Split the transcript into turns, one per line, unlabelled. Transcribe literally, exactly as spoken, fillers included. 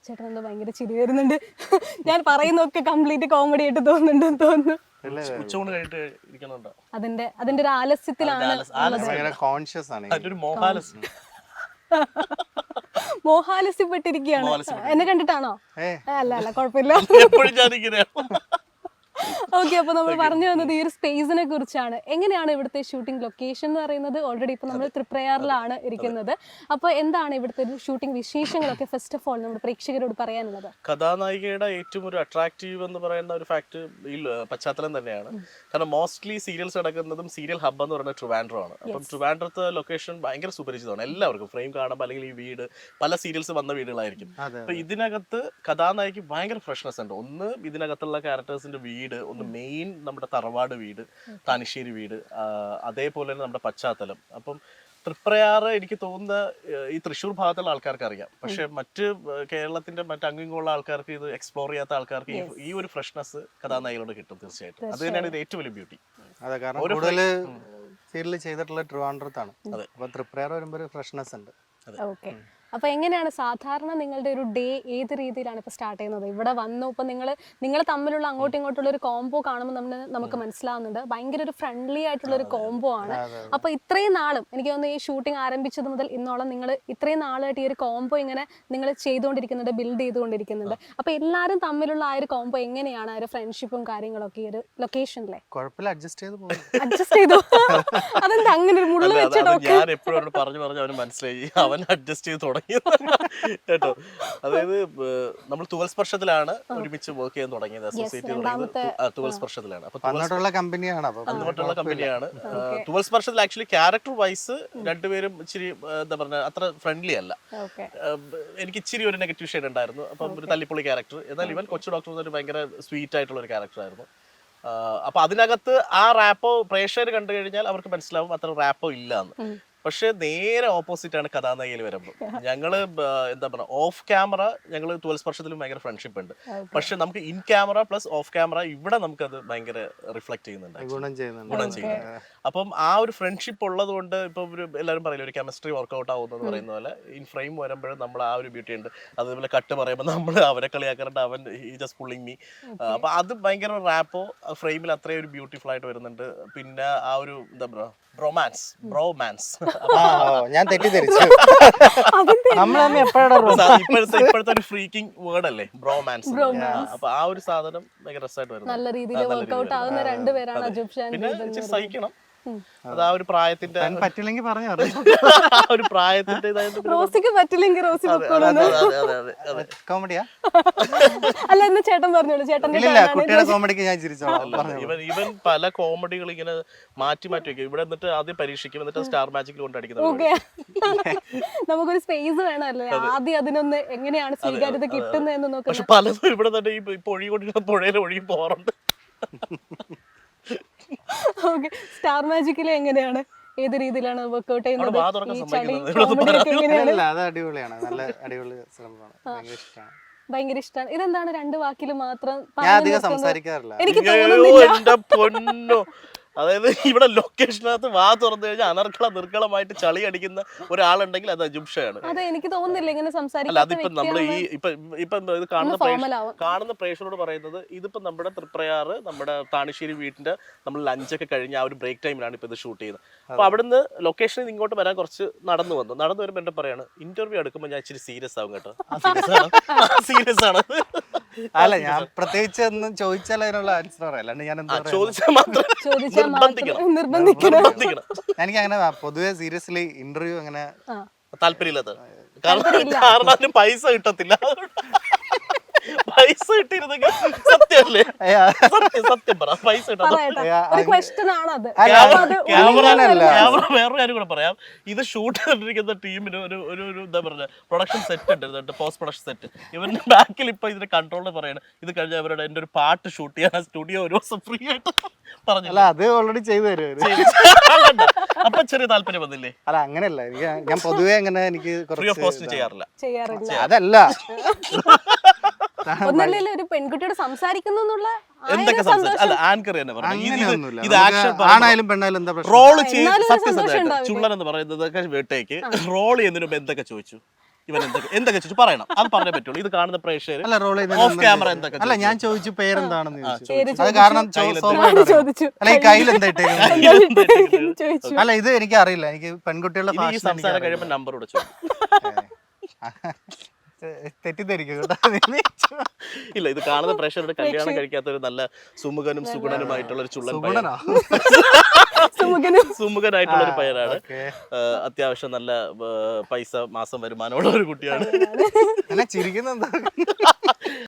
ചേട്ടൻ എന്താ ഭയങ്കര ചിരി വരുന്നുണ്ട്. ഞാൻ പറയുന്നൊക്കെ കംപ്ലീറ്റ് കോമഡി ആയിട്ട് തോന്നുന്നുണ്ടെന്ന് തോന്നുന്നു.
ഉച്ചൂണ് കഴിഞ്ഞിട്ട് ഇരിക്കണുണ്ടോ?
അതിന്റെ അതിന്റെ ഒരു ആലസ്യത്തിലാണ്
കോൺഷ്യസ് ആണ്.
ഒരു മോഹാലസ്
മോഹാലസ്യപ്പെട്ടിരിക്കുകയാണ്. എന്നെ കണ്ടിട്ടാണോ? അല്ല അല്ല കുഴപ്പമില്ല.
എപ്പോഴും ഞാനിങ്ങനെയാണ്.
ഓക്കെ, അപ്പൊ നമ്മൾ പറഞ്ഞു വന്നത് ഈ ഒരു സ്പേസിനെ കുറിച്ചാണ്. എങ്ങനെയാണ് ഇവിടുത്തെ ഷൂട്ടിംഗ് ലൊക്കേഷൻ എന്ന് പറയുന്നത്? ഓൾറെഡി ഇപ്പൊ നമ്മൾ തൃപ്രയാറിലാണ് ഇരിക്കുന്നത്. അപ്പൊ എന്താണ് ഇവിടുത്തെ ഒരു ഷൂട്ടിംഗ് വിശേഷങ്ങളൊക്കെ ഫസ്റ്റ് ഓഫ് ഓൾ നമ്മുടെ പ്രേക്ഷകരോട് പറയാനുള്ളത്?
കഥാനായികയുടെ ഏറ്റവും ഒരു അട്രാക്റ്റീവ് എന്ന് പറയുന്ന ഒരു ഫാക്ട് ഈ പശ്ചാത്തലം തന്നെയാണ്. കാരണം മോസ്റ്റ്ലി സീരിയൽസ് നടക്കുന്നതും സീരിയൽ ഹബ് എന്ന് പറയുന്നത് ട്രിവാൻഡ്രം ആണ്. അപ്പം ട്രിവാൻഡ്രത്തെ ലൊക്കേഷൻ ഭയങ്കര സുപരിചിതമാണ് എല്ലാവർക്കും. ഫ്രെയിം കാണുമ്പോൾ അല്ലെങ്കിൽ ഈ വീട് പല സീരിയൽസ് വന്ന വീടുകളായിരിക്കും. അപ്പൊ ഇതിനകത്ത് കഥാനായിക്ക് ഭയങ്കര ഫ്രഷ്നെസ് ഉണ്ട്. ഒന്ന് ഇതിനകത്തുള്ള ക്യാരക്ടേഴ്സിന്റെ വീട്, ഒന്ന് മെയിൻ നമ്മുടെ തറവാട് വീട്, താനിശ്ശേരി വീട്, അതേപോലെ തന്നെ നമ്മുടെ പശ്ചാത്തലം. അപ്പം തൃപ്രയാറ് എനിക്ക് തോന്നുന്ന ഈ തൃശ്ശൂർ ഭാഗത്തുള്ള ആൾക്കാർക്ക് അറിയാം. പക്ഷെ മറ്റ് കേരളത്തിന്റെ മറ്റ് അങ്ങിങ്ങുള്ള ആൾക്കാർക്ക് ഇത് എക്സ്പ്ലോർ ചെയ്യാത്ത ആൾക്കാർക്ക് ഈ ഒരു ഫ്രഷ്നെസ് കഥാനായികളോട് കിട്ടും തീർച്ചയായിട്ടും. അത് തന്നെയാണ് ഇത് ഏറ്റവും വലിയ ബ്യൂട്ടി.
അതെ, കാരണം കൂടുതൽ സീരിയൽ ചെയ്തിട്ടുള്ള ട്രിവാൻഡ്രത്താണ്. അപ്പൊ തൃപ്രയാർ വരുമ്പോൾ ഒരു ഫ്രഷ്നെസ് ഉണ്ട്.
ഓക്കെ, അപ്പൊ എങ്ങനെയാണ് സാധാരണ നിങ്ങളുടെ ഒരു ഡേ ഏത് രീതിയിലാണ് ഇപ്പൊ സ്റ്റാർട്ട് ചെയ്യുന്നത്? ഇവിടെ വന്നു ഇപ്പൊ നിങ്ങൾ നിങ്ങൾ തമ്മിലുള്ള അങ്ങോട്ടും ഇങ്ങോട്ടുള്ള ഒരു കോംബോ കാണുമ്പോൾ നമ്മൾ നമുക്ക് മനസ്സിലാവുന്നുണ്ട് ഭയങ്കര ഒരു ഫ്രണ്ട്ലി ആയിട്ടുള്ള ഒരു കോംബോ ആണ്. അപ്പൊ ഇത്രയും നാളും എനിക്ക് തോന്നുന്നു ഈ ഷൂട്ടിംഗ് ആരംഭിച്ചത് മുതൽ ഇന്നോളം നിങ്ങൾ ഇത്രയും നാളായിട്ട് ഈ ഒരു കോംബോ ഇങ്ങനെ നിങ്ങൾ ചെയ്തുകൊണ്ടിരിക്കുന്നുണ്ട്, ബിൽഡ് ചെയ്തുകൊണ്ടിരിക്കുന്നുണ്ട്. അപ്പൊ എല്ലാവരും തമ്മിലുള്ള ആ ഒരു കോംബോ എങ്ങനെയാണ്, ആ ഒരു ഫ്രണ്ട്ഷിപ്പും കാര്യങ്ങളൊക്കെ ഈ ഒരു ലൊക്കേഷനിലെ
കുഴപ്പമില്ല, അഡ്ജസ്റ്റ് ചെയ്ത് പോകും.
അഡ്ജസ്റ്റ് ചെയ്തു. അതെന്താ അങ്ങനെ ഒരു മുള്ള വെച്ചിട്ടോ?
ഞാൻ എപ്പോഴും പറഞ്ഞു പറഞ്ഞു അവന് മനസ്സിലായി, അവൻ അഡ്ജസ്റ്റ് ചെയ്ത് തുടങ്ങി കേട്ടോ. അതായത് നമ്മൾ തുവൽ സ്പർശത്തിലാണ് ഒരുമിച്ച് വർക്ക് ചെയ്യാൻ തുടങ്ങിയത്. അസോസിയേറ്റ് തുടങ്ങിയത് തുവൽ സ്പർശത്തിലാണ്. അപ്പൊ
അങ്ങോട്ടുള്ള കമ്പനിയാണ്
അങ്ങോട്ടുള്ള കമ്പനിയാണ് തുവൽ സ്പർശത്തിൽ. ആക്ച്വലി ക്യാരക്ടർ വൈസ് രണ്ടുപേരും ഇച്ചിരി എന്താ പറഞ്ഞ അത്ര ഫ്രണ്ട്ലി അല്ല. എനിക്ക് ഇച്ചിരി ഒരു നെഗറ്റീവ് ഷെയ്ഡ് ഉണ്ടായിരുന്നു. അപ്പം ഒരു തല്ലിപ്പൊളി ക്യാരക്ടർ. എന്നാൽ ഇവൻ കൊച്ചു ഡോക്ടർ ഒരു ഭയങ്കര സ്വീറ്റ് ആയിട്ടുള്ള ഒരു ക്യാരക്ടർ ആയിരുന്നു. അപ്പൊ അതിനകത്ത് ആ റാപ്പോ പ്രേക്ഷകർ കണ്ടു കഴിഞ്ഞാൽ അവർക്ക് മനസ്സിലാവും അത്ര റാപ്പോ ഇല്ല എന്ന്. പക്ഷെ നേരെ ഓപ്പോസിറ്റ് ആണ് കഥാനായികയിൽ വരുമ്പോൾ. ഞങ്ങള് എന്താ പറയുക, ഓഫ് ക്യാമറ ഞങ്ങൾ ട്വൽവ് സ്പർശത്തിലും ഭയങ്കര ഫ്രണ്ട്ഷിപ്പ് ഉണ്ട്. പക്ഷെ നമുക്ക് in camera plus off camera ഇവിടെ നമുക്കത് ഭയങ്കര റിഫ്ലക്ട് ചെയ്യുന്നുണ്ട്, ഗുണം ചെയ്യുന്നുണ്ട്. അപ്പം ആ ഒരു ഫ്രണ്ട്ഷിപ്പ് ഉള്ളത് കൊണ്ട് ഇപ്പൊ ഒരു എല്ലാവരും പറയില്ല ഒരു കെമിസ്ട്രി വർക്ക്ഔട്ട് ആവുമെന്ന് പറയുന്ന പോലെ ഇൻ ഫ്രെയിം വരുമ്പോഴും നമ്മൾ ആ ഒരു ബ്യൂട്ടി ഉണ്ട്. അതേപോലെ കട്ട് പറയുമ്പോൾ നമ്മൾ അവരെ കളിയാക്കാറുണ്ട്, അവൻ ഈ ജസ്റ്റ് പുള്ളിങ് മീ. അപ്പൊ അത് ഭയങ്കര റാപ്പോ ഫ്രെയിമിൽ അത്രയും ഒരു ബ്യൂട്ടിഫുൾ ആയിട്ട് വരുന്നുണ്ട്. പിന്നെ ആ ഒരു എന്താ പറയുക ബ്രോമാൻസ് ബ്രോമാൻസ്
ഞാൻ തെറ്റിദ്ധരിച്ചു.
ഇപ്പോഴത്തെ ഇപ്പോഴത്തെ ഒരു ഫ്രീക്കിംഗ് വേർഡ് അല്ലേ ബ്രോമാൻസ്. അപ്പൊ ആ ഒരു സാധനം ഭയങ്കര രസമായിട്ട് വരുന്നത്.
നല്ല രീതിയിൽ വർക്ക്ഔട്ട് ആവുന്ന രണ്ടുപേരാണ് അജൂബ് ഷാൻ.
പിന്നെ ഇച്ചിരി സഹിക്കണം, അത് ആ ഒരു പ്രായത്തിന്റെ
പറ്റില്ലെങ്കിൽ പറഞ്ഞു
ഒരു പ്രായത്തിന്റെ
റോസിക്ക് പറ്റില്ലെങ്കിൽ റോസി
കോമഡിയാ
അല്ല എന്ന് ചേട്ടൻ പറഞ്ഞോളൂ. ചേട്ടൻ
കുട്ടിയുടെ കോമഡിക്ക് ഞാൻ ചിരിച്ചോളാം.
ഇവൻ ഇവൻ പല കോമഡികൾ ഇങ്ങനെ മാറ്റി മാറ്റി വെക്കും. ഇവിടെ എന്നിട്ട് ആദ്യം പരീക്ഷിക്കും, എന്നിട്ട് സ്റ്റാർ മാജിക്കിൽ കൊണ്ടടിക്കുന്നത്.
നമുക്കൊരു സ്പേസ് വേണമല്ലേ ആദ്യം അതിനൊന്ന് എങ്ങനെയാണ് സ്വീകാര്യത കിട്ടുന്നതെന്ന് നോക്കാം.
പക്ഷെ പലതും ഇവിടെ തന്നെ ഈ ഒഴുകി കൊണ്ടിരിക്കുന്ന പുഴയിൽ ഒഴുകി പോറുണ്ട്.
ഓക്കെ, സ്റ്റാർ മാജിക്കിൽ എങ്ങനെയാണ്, ഏത് രീതിയിലാണ് വർക്ക്ഔട്ട് ചെയ്യുന്നത്?
അത് അടിപൊളിയാണ്, നല്ല അടിപൊളി സിനിമയാണ്,
ഭയങ്കര ഇഷ്ടമാണ്. ഇതെന്താണ് രണ്ട് വാക്കിൽ മാത്രം
സംസാരിക്കാറില്ല?
എനിക്ക്
പൊന്നോ, അതായത് ഇവിടെ ലൊക്കേഷനകത്ത് വാ തുറന്നു കഴിഞ്ഞാൽ അനർക്കള നിർക്കളമായിട്ട് ചളി അടിക്കുന്ന ഒരാളുണ്ടെങ്കിൽ അത് അജൂബ് ഷാണ്.
അതെ, എനിക്ക് തോന്നുന്നില്ല ഇങ്ങനെ
അല്ല അതിപ്പോ നമ്മള് ഈ ഇപ്പൊ ഇപ്പൊ ഇത് കാണുന്ന കാണുന്ന പ്രേക്ഷകരോട് പറയുന്നത്, ഇതിപ്പോ നമ്മുടെ തൃപ്രയാറ് നമ്മുടെ താണിശ്ശേരി വീട്ടിന്റെ നമ്മൾ ലഞ്ചൊക്കെ കഴിഞ്ഞ് ആ ഒരു ബ്രേക്ക് ടൈമിലാണ് ഇപ്പൊ ഇത് ഷൂട്ട് ചെയ്യുന്നത്. അപ്പൊ അവിടുന്ന് ലൊക്കേഷനിൽ ഇങ്ങോട്ട് വരാൻ കുറച്ച് നടന്നു വന്നു. നടന്നു വരുമ്പോ എന്റെ പറയാണ്, ഇന്റർവ്യൂ എടുക്കുമ്പോൾ ഞാൻ ഇച്ചിരി സീരിയസ് ആവും കേട്ടോ. സീരിയസ് ആണ്.
അല്ല, ഞാൻ പ്രത്യേകിച്ച് ഒന്നും ചോദിച്ചാൽ അതിനുള്ള ആൻസർ പറയാം, അല്ലാണ്ട് ഞാൻ എന്താ
ചോദിച്ചാൽ മാത്രം
നിർബന്ധിക്കണം.
എനിക്ക് അങ്ങനെ പൊതുവെ സീരിയസ്ലി ഇന്റർവ്യൂ അങ്ങനെ
താല്പര്യമില്ലാത്ത കാരണം അതിന് പൈസ കിട്ടത്തില്ല. പൈസ കിട്ടിയിരുന്നെങ്കിൽ സത്യമല്ലേ, സത്യം പറ, പൈസ വേറൊരു കാര്യം കൂടെ പറയാം. ഇത് ഷൂട്ട് ചെയ്തിരിക്കുന്ന ടീമിന് ഒരു ഒരു എന്താ പറയുക പ്രൊഡക്ഷൻ സെറ്റ് ഉണ്ട്, പോസ്റ്റ് പ്രൊഡക്ഷൻ സെറ്റ്. ഇവരുടെ ബാക്കിൽ ഇപ്പൊ ഇതിന്റെ കൺട്രോളിൽ പറയണം, ഇത് കഴിഞ്ഞ അവരുടെ എന്റെ ഒരു പാട്ട് ഷൂട്ട് ചെയ്യാൻ സ്റ്റുഡിയോ ഒരു ദിവസം ഫ്രീ ആയിട്ട് പറഞ്ഞില്ല.
അത് ഓൾറെഡി ചെയ്തു തരും.
അപ്പൊ ചെറിയ താല്പര്യം വന്നില്ലേ?
അല്ല അങ്ങനെയല്ല, എനിക്ക് ഞാൻ പൊതുവെ അങ്ങനെ എനിക്ക്
ഫ്രീ ഓഫ് കോസ്റ്റ് ചെയ്യാറില്ല.
അതല്ല
ഒന്നല്ലേ ഒരു പെൺകുട്ടിയോട് സംസാരിക്കുന്നു
എന്തൊക്കെ സംസാരിച്ചു ആങ്കർ തന്നെ
ആണായാലും പെണ്ണായാലും എന്താ
റോള് ചെയ്ത് സത്യസന്ധമായിട്ട് ചുള്ളൻ എന്ന് പറയുന്നത് വീട്ടേക്ക് റോൾ ചെയ്യുന്നതിന് മുമ്പ് എന്തൊക്കെ ചോദിച്ചു? ഇവൻ എന്തൊക്കെ എന്തൊക്കെ ചോദിച്ചു പറയണം, അത് പറഞ്ഞേ പറ്റുള്ളൂ. ഇത് കാണുന്ന പ്രേക്ഷകർ
അല്ല റോൾ
ഓഫ് ക്യാമറ എന്തൊക്കെ
അല്ല ഞാൻ ചോദിച്ചു പേരെന്താണെന്ന് ചോദിച്ചു.
പേര്
അത് കാരണം ചോ-
കയ്യിലെന്താ?
സ്വാഭാവികം അറിയാം.
ചോദിച്ചു
അല്ല ഈ കയ്യിൽ എന്താ ഇട്ടേക്കുന്നത്?
ചോദിച്ചു.
അല്ല ഇത് എനിക്ക് അറിയില്ല, എനിക്ക് പെൺകുട്ടികളുടെ
ഇനി ഈ
fashion എനിക്ക്
സംസാരം
അറിയില്ല.
കഴിയുമ്പോൾ നമ്പർ കൂടെ ചോദിക്കും.
ഏ, തെറ്റിദ്ധരിക്കും കേട്ടോ.
ഇല്ല, ഇത് കാണുന്ന പ്രേക്ഷകരുടെ കല്യാണം കഴിക്കാത്ത ഒരു നല്ല സുമുഖനും സുഗുണനുമായിട്ടുള്ള ഒരു ചുള്ളൻ പയ്യൻ,
സുഗുണനോ?
സുമുഖനും
സുമുഖനായിട്ടുള്ള ഒരു പയ്യനാണ്.
ഓക്കേ.
ആ, അത്യാവശ്യം നല്ല ആ, പൈസ മാസം വരുമാനമുള്ള ഒരു കുട്ടിയാണ്.
എന്നെ ചിരിക്കുന്ന എന്താ?